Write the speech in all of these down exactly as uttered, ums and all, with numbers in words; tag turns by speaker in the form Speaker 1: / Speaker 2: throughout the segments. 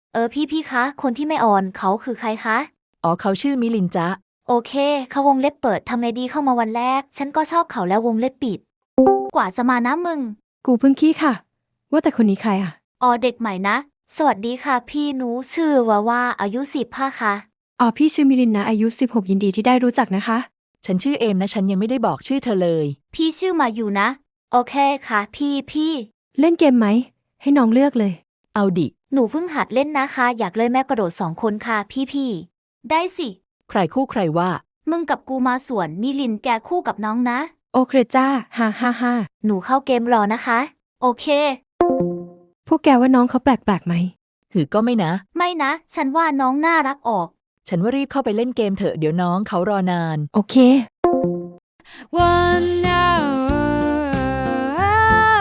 Speaker 1: เออพี่พี่คะ คนที่ไม่ออนเขาคือใครคะ
Speaker 2: อ๋อเขาชื่อมิลินจ๊ะ
Speaker 1: โอเคเขาวงเล็บเปิดทำไงดีเข้ามาวันแรก ฉันก็ชอบเขาแล้ววงเล็บปิด กว่าจะมานะมึง
Speaker 3: กูเพิ่งขี้ค่ะ ว่าแต่คนนี้ใครอ่ะ
Speaker 1: อ๋อเด็กใหม่นะ สวัสดีค่ะพี่หนูชื่อว่าว่าอายุสิบห้าค่ะ
Speaker 3: อ๋อพี่ชื่อมิลินนะอายุสิบหกยินดีที่ได้รู้จักนะคะ
Speaker 2: ฉันชื่อเอมนะฉันยังไม่ได้บอกชื่อเธอเลย
Speaker 1: พี่ชื่อมาอยู่นะ โอเคค่ะพี่พี่
Speaker 3: เล่นเกมไหม ให้น้องเลือกเลย
Speaker 2: เอาดิ
Speaker 1: หนูเพิ่งหัดเล่นนะคะ อยากเลยแม่กระโดดสองคนค่ะพี่พี่ได้สิ
Speaker 2: ใครคู่ใครว่า
Speaker 1: มึงกับกูมาสวนมิลินแกคู่กับน้องนะ
Speaker 3: โอเคจ้าฮ่าฮ่าฮ่า
Speaker 1: หนูเข้าเกมรอนะคะ โอเค
Speaker 3: พวกแกว่าน้องเขาแปลกแปลกไหม
Speaker 2: หือก็ไม่นะ
Speaker 1: ไม่นะ ฉันว่าน้องน่ารักออก
Speaker 2: ฉันว่ารีบเข้าไปเล่นเกมเถอะเดี๋ยวน้องเขารอนาน
Speaker 3: โอเค
Speaker 4: One hour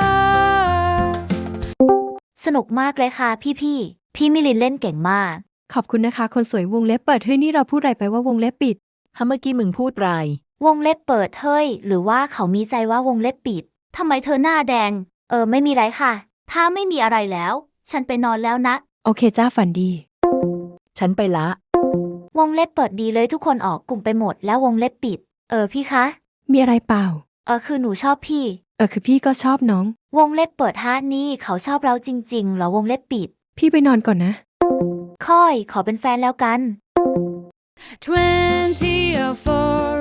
Speaker 1: สนุกมากเลยค่ะพี่พี่พี่มิลินเล่นเก่งมาก
Speaker 3: ขอบคุณนะคะ คนสวยวงเล็บเปิดเฮ้ยนี่เราพูดอะไรไปว่าวงเล็บปิด
Speaker 2: ถ้าเมื่อกี้มึงพูดไร
Speaker 1: วงเล็บเปิดเฮ้ยหรือว่าเขามีใจว่าวงเล็บปิดทำไมเธอหน้าแดง เออไม่มีไรค่ะ ถ้าไม่มีอะไรแล้ว ฉันไปนอนแล้วนะ
Speaker 3: โอเคจ้าฝันดี
Speaker 2: ฉันไปละ
Speaker 1: วงเล็บเปิดดีเลยทุกคนออกกลุ่มไปหมดแล้ววงเล็บปิด เออพี่คะ
Speaker 3: มีอะไรเปล่า
Speaker 1: เออคือหนูชอบพี่
Speaker 3: เออคือพี่ก็ชอบน้อง
Speaker 1: วงเล็บเปิดฮะนี่เขาชอบเราจริงๆเหรอวงเล็บปิด
Speaker 3: พี่ไปนอนก่อนนะ
Speaker 1: ค่อยขอเป็นแฟนแล้วกัน
Speaker 4: twenty-four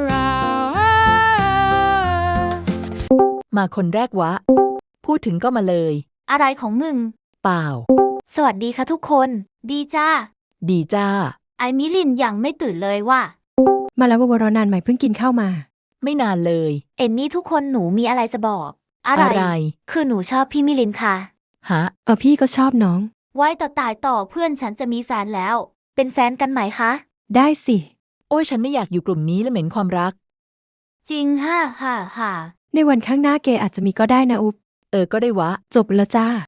Speaker 4: hours
Speaker 2: มาคนแรกวะ พูดถึงก็มาเลย
Speaker 1: อะไรของมึง
Speaker 2: เปล่า
Speaker 1: สวัสดีค่ะทุกคน ดีจ้า
Speaker 2: ดีจ้า
Speaker 1: ไอมิลินยังไม่ตื่นเลยว่ะ
Speaker 3: มาแล้ววารอนานใหม่เพิ่งกินข้าวมา
Speaker 2: ไม่นานเลย
Speaker 1: เอ็นนี่ทุกคนหนูมีอะไรจะบอก อะไร
Speaker 2: อะไร
Speaker 1: คือหนูชอบพี่มิลินค่ะ
Speaker 2: ฮะ
Speaker 3: เออพี่ก็ชอบน้อง
Speaker 1: ไว้ต่อตายต่อเพื่อนฉันจะมีแฟนแล้ว เป็นแฟนกันไหมคะ
Speaker 3: ได้สิ
Speaker 2: โอ้ยฉันไม่อยากอยู่กลุ่มนี้และเหม็นความรัก
Speaker 1: จริงฮ่าฮ่าฮ่า
Speaker 3: ในวันข้างหน้าเกอาจจะมีก็ได้นะอุ๊บ
Speaker 2: เออก็ได้วะ
Speaker 3: จบแล้วจ้า